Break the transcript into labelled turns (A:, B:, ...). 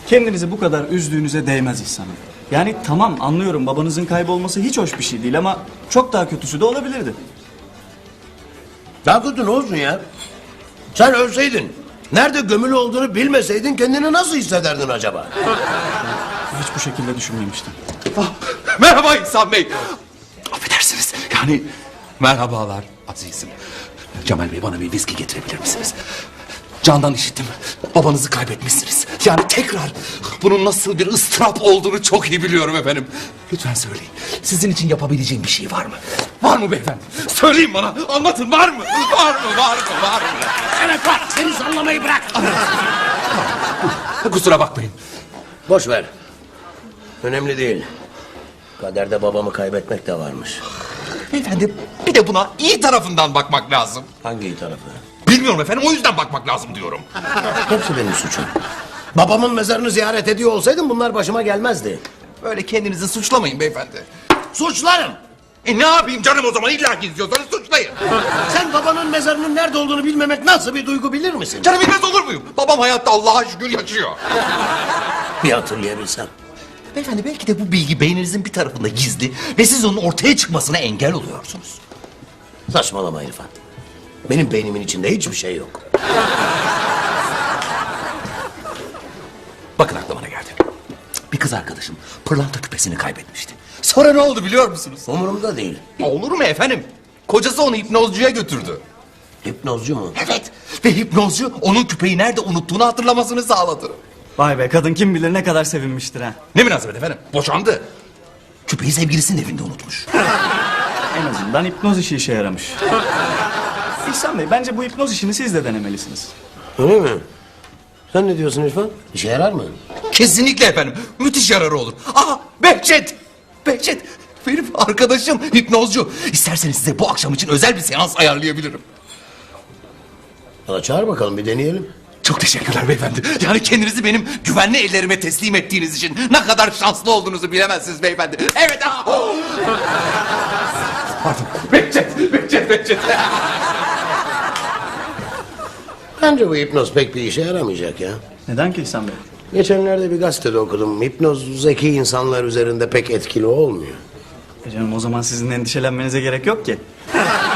A: Kendinizi bu kadar üzdüğünüze değmez İhsan Bey. Yani tamam, anlıyorum, babanızın kaybolması hiç hoş bir şey değil ama çok daha kötüsü de olabilirdi.
B: Daha kötü ne olsun ya? Sen ölseydin, nerede gömülü olduğunu bilmeseydin kendini nasıl hissederdin acaba?
A: Hiç bu şekilde düşünmemiştim.
C: Merhaba İhsan Bey. Affedersiniz. Yani merhabalar azizim. Cemal Bey, bana bir viski getirebilir misiniz? Candan işittim. Babanızı kaybetmişsiniz. Yani tekrar bunun nasıl bir ıstırap olduğunu çok iyi biliyorum efendim. Lütfen söyleyin. Sizin için yapabileceğim bir şey var mı? Var mı beyefendi? Söyleyin bana. Anlatın, var mı? Var mı? Var mı? Var mı?
B: Evet var, seni sallamayı bırak.
C: Kusura bakmayın.
B: Boş ver. Önemli değil. Kaderde babamı kaybetmek de varmış.
C: Beyefendi, bir de buna iyi tarafından bakmak lazım.
B: Hangi iyi tarafı?
C: Bilmiyorum efendim, o yüzden bakmak lazım diyorum.
B: Hepsi benim suçum. Babamın mezarını ziyaret ediyor olsaydım bunlar başıma gelmezdi.
C: Böyle kendinizi suçlamayın beyefendi.
B: Suçlarım.
C: Ne yapayım canım o zaman, illa ki istiyorsanız suçlayın.
B: Sen babanın mezarının nerede olduğunu bilmemek nasıl bir duygu bilir misin?
C: Canım bilmez olur muyum? Babam hayatta, Allah'a şükür yaşıyor.
B: Bir hatırlayabilsem.
C: Beyefendi, belki de bu bilgi beyninizin bir tarafında gizli ve siz onun ortaya çıkmasına engel oluyorsunuz.
B: Saçmalama İrfan. Benim beynimin içinde hiçbir şey yok.
C: Bakın aklıma ne geldi. Bir kız arkadaşım pırlanta küpesini kaybetmişti. Sonra ne oldu biliyor musunuz?
B: Umurumda değil.
C: Olur mu efendim? Kocası onu hipnozcuya götürdü.
B: Hipnozcu mu?
C: Evet. Ve hipnozcu onun küpeyi nerede unuttuğunu hatırlamasını sağladı.
A: Vay be, kadın kim bilir ne kadar sevinmiştir ha.
C: Ne münasebet efendim? Boşandı. Küpeyi sevgilisinin evinde unutmuş.
A: En azından hipnoz işe yaramış. İhsan Bey, bence bu hipnoz işini siz de denemelisiniz.
B: Öyle mi? Sen ne diyorsun İrfan? İşe yarar mı?
C: Kesinlikle efendim. Müthiş yararı olur. Aa, Behçet! Behçet! Benim arkadaşım hipnozcu. İsterseniz size bu akşam için özel bir seans ayarlayabilirim.
B: Valla çağır bakalım, bir deneyelim.
C: Çok teşekkürler beyefendi. Yani kendinizi benim güvenli ellerime teslim ettiğiniz için ne kadar şanslı olduğunuzu bilemezsiniz beyefendi. Evet. Pardon. Behçet.
B: Bence bu hipnoz pek bir işe yaramayacak ya.
A: Neden ki İhsan Bey?
B: Geçenlerde bir gazetede okudum. Hipnoz zeki insanlar üzerinde pek etkili olmuyor.
A: Canım, o zaman sizin endişelenmenize gerek yok ki.